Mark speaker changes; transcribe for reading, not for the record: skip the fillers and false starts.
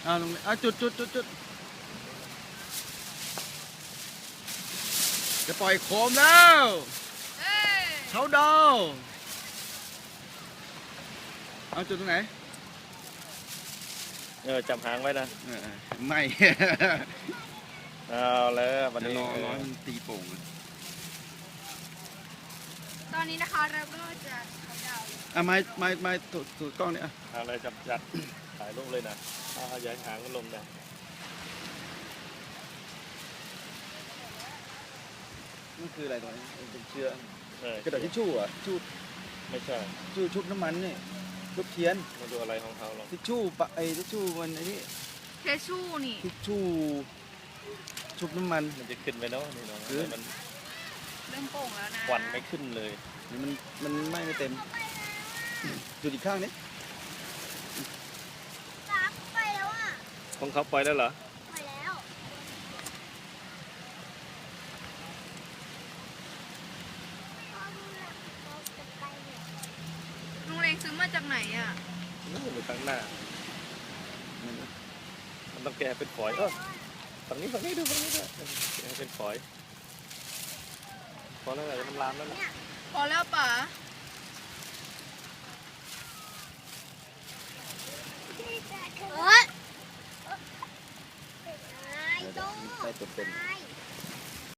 Speaker 1: ลงเลยจุดจะปล่อยโคมแล้วเขาดาวเอาจุดตรงไหน
Speaker 2: จับหางไว้นะ
Speaker 1: ไม่
Speaker 2: เอาแล้ววันนี้
Speaker 1: รอมันตีโป่ง
Speaker 3: ตอนนี้นะคะเราก็จะเขาดาว
Speaker 1: ไม่ถูกกล้องเนี่ย
Speaker 2: เอาเลยจับถ่ายรูปเลยนะย้ายหางก็ลงนะ
Speaker 1: นั่นคืออะไรตรงนี้เป็นเชื้อกระดาษทิชชู่อ่ะ
Speaker 2: ไม่ใช่
Speaker 1: ชุบน้ำมันนี่ชุบเทียน
Speaker 2: มาดูอะไรของเขาหรอ
Speaker 1: ทิชชู่ทิชชู่มันไอ้นี่
Speaker 3: เทชูนี่
Speaker 1: ทิชชู่ชุบน้ำมัน
Speaker 2: มันจะขึ้นไปเนาะนี่เนาะมัน
Speaker 3: เริ่มโป่งแล้วนะ
Speaker 2: ควันไม่ขึ้นเลย
Speaker 1: มันไม่เต็มจุดอีกข้างนี้
Speaker 3: ไปแล้วอ่ะ
Speaker 2: ของเขาปล่อยแล้วเหรอ
Speaker 3: ไปแล้วลุงเล้งซื้อมาจากไหนอ่ะ
Speaker 2: นู่นอยู่ข้างหน้ามันต้องแกะเป็นฝอยฝั่งนี้ดูฝั่งนี้ด้วยแกะเป็นฝอยพอแล้วจะมันลามแล้วนะ
Speaker 3: พอแล้วป๋า
Speaker 1: ใต้ตัวเป็น